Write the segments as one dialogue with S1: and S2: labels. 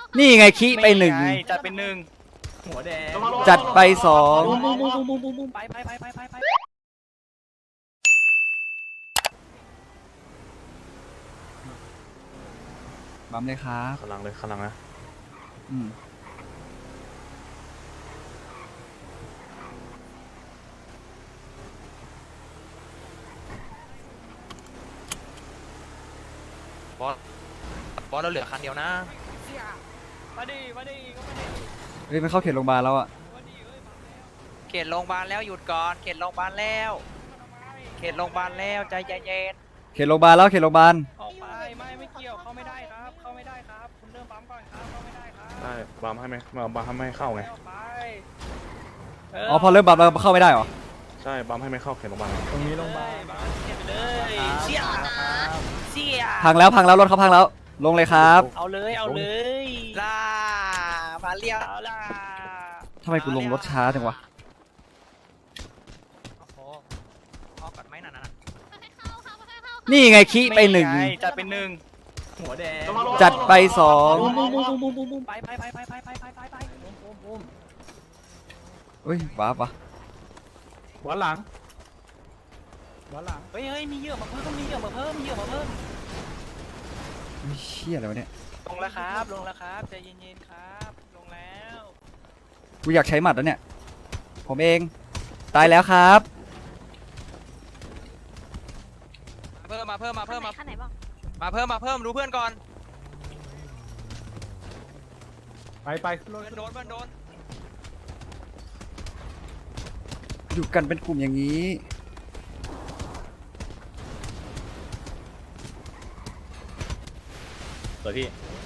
S1: นี่ไงขี้ไปหนึ่ง
S2: จัดเป็นหนึ่งหัวแดง
S1: จัดไปสอง
S2: ไป
S1: บัมเลยครับ
S3: ขลังเลยขลังนะ
S1: อืม
S4: บอสเราเหลือคันเดียวนะ
S2: มาดิก็มาดิ
S1: เฮ้ยมันเข้าเขตโรงพยาบาลแล้วอะ
S4: เขตโรงพยาบาลแล้วหยุดก่อนเขตโรงพยาบาลแล้วเขตโรงพยาบาลแล้วใจเย็น
S1: เขตโรงพยาบาลแล้วเขตโรงพยาบาล
S2: ออกไปไม่เกี่ยวเข้าไม่ได้ครับเข้าไม่ได้ครับคุณเริ่มปั๊มก่อนครับเข้าไม่ได้ครับ
S3: ได้บัมให้ไหมบัมให้ไม่เข้าไง
S2: ออกไป
S1: อ๋อพอเริ่มบัมแล้วเข้าไม่ได้เหรอ
S3: ใช่บัมให้ไม่เข้าเขตโรงพยาบาล
S2: ตรงนี้โรงพยาบาลเก็บไปเลยเชี่ยเชี่ย
S1: พังแล้วรถเขาพังแล้ว ลงเลยครับ
S2: เอาเลย
S4: ล่ามาเรียว
S2: เอาล่ะ
S1: ทำไมกูลงรถช้าจังวะ
S4: โอ้โหพอก่อนไหมนั่นน่ะ
S1: นี่ไงขี้ไปหนึ่ง
S2: จัดเป็นหนึ่งหัวแดง
S1: จัดไปสอง
S2: ไป
S1: เฮ้ยว้าปะ
S3: หัวหลัง
S2: เฮ้ยมีเหยื่อมาเพิ่มมีเหยื่อมาเพิ่ม
S1: ไม่เชี่ยอะไรวะเนี่ย
S2: ลงแล้วครับใจเย็นๆครับลงแล้ว
S1: กูอยากใช้หมัดแล้วเนี่ย ผมเอง ตายแล้วครับ
S4: มาเพิ่ม
S5: ขั้นไหนบ้าง
S4: มาเพิ่มดูเพื่อนก่อน
S3: ไป
S4: เพื่อนโดน
S1: อยู่กันเป็นกลุ่มอย่างนี้
S3: เปิดพี่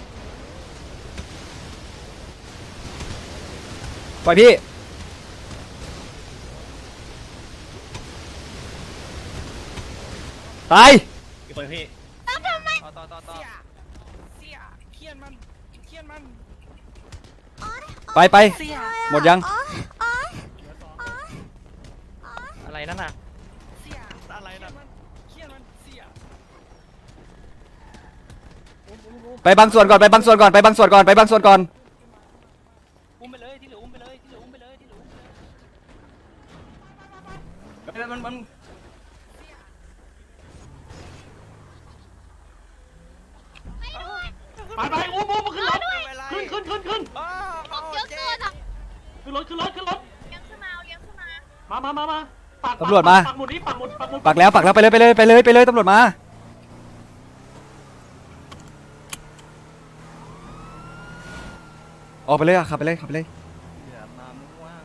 S1: ปล่อยพี่ ตาย
S3: เปิดพี่
S4: ต่อ
S2: เสียเคียนมัน
S1: ไปหมดยัง
S4: อะไรนั่นน่ะ
S2: เสียอะไรนะเคียนมันเสีย
S1: ไปบางส่วนก่อน
S2: อุ้มไปเลยที่เหลืออุ้มไปเลยมันไปอุ้มขึ้นรถขึ้น
S5: ของเยอะเกินอ่ะ
S2: ขึ้นรถ
S5: เลี้ยงขึ้นมา
S2: มาปัก
S1: ตำรวจมา
S2: ปักหมุดนี้ปักหมุด
S1: ปักแล้วไปเลยตำรวจมา ออกไปเลยอะขับไปเลย
S2: มาม่วง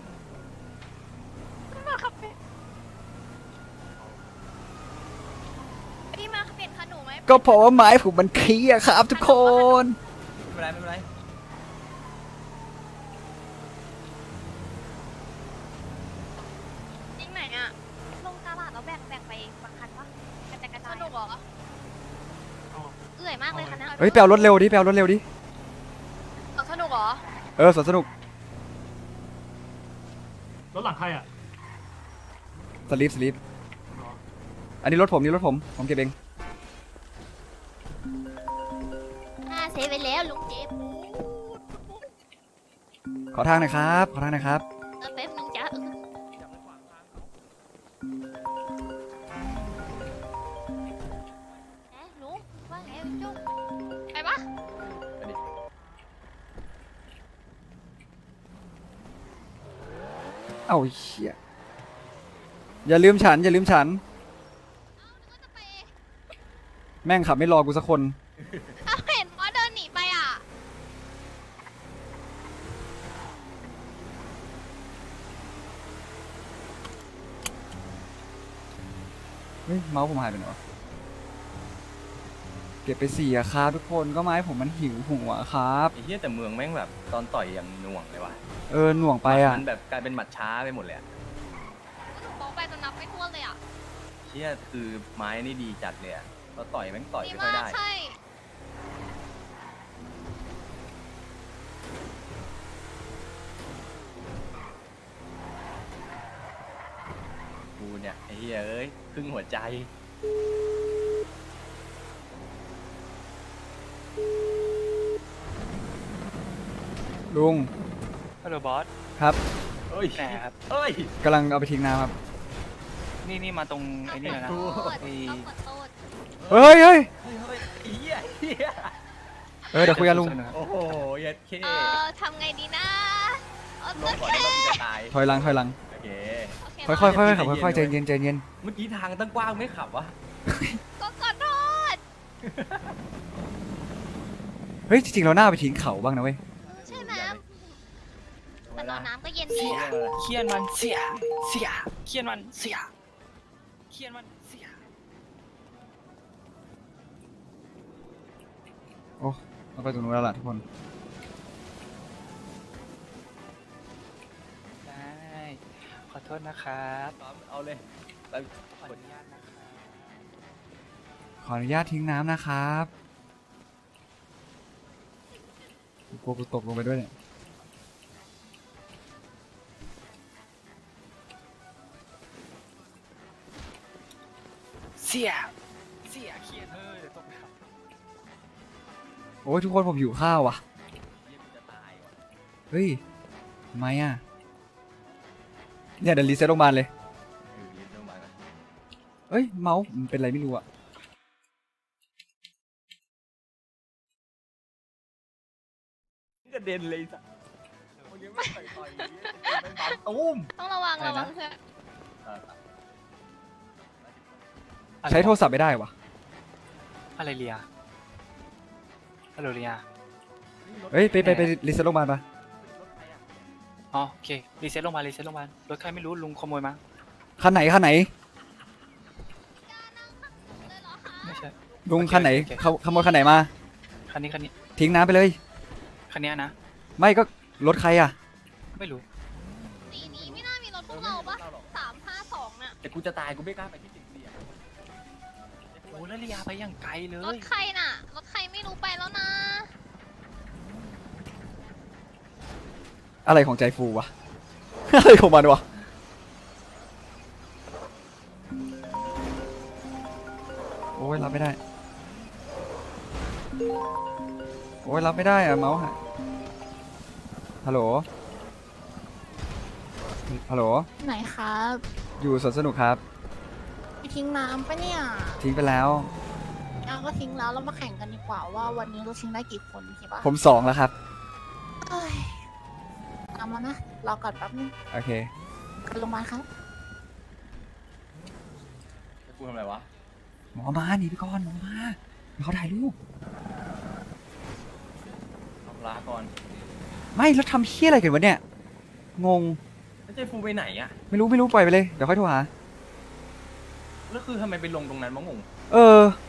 S5: พี่มาเปลี่ยนขนมไหม
S1: ก็เพราะว่าไม้ผมมันเคลียร์ครับทุกคน
S2: ไม่เป็นไร
S5: จริงไหนอ่ะลงตลาดแล้วแบ่งไปบางคันวะกระจายสนุกเหรอเอื่อยมากเลยคันนี้
S1: เฮ้ยแปลรถเร็วดิ
S5: สนุกเหรอ
S1: สวนสนุก
S2: รถหลังใครอ่ะ
S1: สลีปอันนี้รถผมผมเก็บเอง
S5: เซฟไปแล้วลุงเจฟ
S1: ขอทางหน่อยครับ
S5: แป๊บนึงจ้าลุงว่าไงจุ๊บไปปะ
S1: เอ้าเชี่ยอย่าลืมฉัน แม่งขับไม่รอกูสักคน
S5: เห็นว่าเดินหนีไปอ่ะ
S1: เฮ้ยเมาส์ผมหายไปไหนวะเก็บไป4อะครับทุกคนก็ไม้ผมมันหิวหัวครับ
S6: ไอ้เหี้ยแต่เมืองแม่งแบบตอนต่อยอย่างหน่วงเลยว่ะ
S1: หน่วงไปอะ
S6: มันแบบกลายเป็นหมัดช้าไปหมดเลยอะ
S5: มองไปจนนับไม่ถ้วนเลยอ่ะ
S6: เหี้ยคือไม้นี่ดีจัดเลยอะเราต่อยแม่งต่อย
S5: ดี
S6: ไม่ค่อย
S5: มาก
S6: ได้
S5: ใช่
S6: กูเนี่ยไอ้เหี้ยเอ้ยครึ่งหัวใจ
S1: ลุง
S2: ฮัลโหลบอส
S1: ครับ
S6: เอ้ย
S2: ไหนครับ
S6: เอ้ย
S1: กำลังเอาไปทิ้งน้ำครับ
S2: นี่มาตรงไอ้นี่เลยนะ
S5: ต้องกด
S2: ไอ้
S5: ต้องกดโทษ
S1: เฮ้ยเฮ้ย
S6: เฮ้ยเฮ้ยไอ้เหี้ยเหี้ย
S1: เดี๋ยวคุยกันลุง
S6: โอ้โหเย็ดเค
S5: ทำไงดีนะโอ
S6: ลงก่อน
S5: เค
S6: ที่เราจะตาย
S1: ถอยหลัง
S6: โอเค
S1: ค่อยๆขับค่อยๆใจเย็นใจเย็น
S6: เมื่อกี้ทางตั้งกว้างไม่ขับวะ
S5: ก็กดโทษ
S1: เฮ้ยจริงๆเราหน้าไปทิ้งเขาบ้างนะเว้ย
S5: ใช่ไหมแต่ตอนน้ำก็เย็น
S6: เสี
S5: ดี
S6: ย
S2: เคียนมันเสียเคียนมันเสียเคียนมันเสีย
S1: โอ้เราไปตรงนู้นแล้วล่ะทุกคน
S2: ได้ขอโทษนะครับ
S6: เอาเลยไป
S2: ขออนุญาตนะครับ
S1: ขออนุญาตทิ้งน้ำนะครับกลัวกูตกลงไปด้วยเนี่ย
S2: เสียเคียนเดี๋ยวตกไปครับ
S1: โอ้ยทุกคนผมหิวข้าวว่ะ
S6: เหี้ยกูจะตายว่ะ
S1: เฮ้ยทำไมอ่ะเนี่ยเดี๋ยวรีเซ็ตโรงพยาบาลเลย
S6: ยืนตรงมากัน
S1: เอ้ยเมาส์มันเป็นอะไรไม่รู้อ่ะ
S6: กระเด็นเลยสัสคนยังไม่ต่อยๆไม่ปั๊มตุ้ม
S5: ต้องระวังเพื่อน
S1: ใช้โทรศัพท์ไม่ได้วะ
S2: อะไรเลียฮัลโหลเลีย
S1: เฮ้ยไปรีเซ็ตโรงพยาบาลปะ
S2: อ๋อโอเครีเซ็ตลงมารถใครไม่รู้ลุงขโมยมา
S1: คันไหน
S5: เลยเหรอคะ
S2: ไม่ใช่
S1: ลุงคันไหน
S2: โอเค
S1: ขโมยคันไหนมา
S2: คันนี้
S1: ทิ้งน้ำไปเลย
S2: คันนี้นะ
S1: ไม่ก็รถใครอ่ะ
S2: ไม่รู้
S5: สีนี้ไม่น่ามีรถพวกเราปะ352น่ะ
S6: แต่กูจะตายกูไม่กล้าไปที่ติดเสีย
S2: โอ้แล้วเลียไปอย่างไกลเล
S5: รถ
S2: ย
S5: ใครน่ะ รถใครไม่รู้ไปแล้วนะ
S1: อะไรของใจฟูวะ อะไรของมันวะ โอ้ยรับไม่ได้ โอ้ยรับไม่ได้อะเมาส์ฮะฮัลโหล ฮัลโหล
S7: ไหนครับ
S1: อยู่สวนสนุกครับ
S7: ไปทิ้งน้ำปะเนี่ย
S1: ทิ้งไปแล้ว
S7: เอาก็ทิ้งแล้วเรามาแข่งกันดีกว่าว่าวันนี้เราทิ้งได้กี่คนใช่ปะ
S1: ผม2แล้วครับ
S7: เอ้ยตามมานะรอก่อนแป๊บนึง
S1: โอเค
S7: ไปโรงพยาบาลครับ
S6: กูทำอะไรวะ
S1: หมอมาหนีไปก่อนหมอมาเดี๋ยวเขาถ่ายรูป
S6: ทำลาก่อน
S1: ไม่แล้วทำเฮี้ยอะไรกันวะเนี่ย งง
S6: แล้วเจฟูไปไหนอะ
S1: ไม่รู้ปล่อยไปเลย เดี๋ยวค่อยโทรหา
S6: แล้วคือทำไมไปลงตรงนั้นมะงง
S1: เออ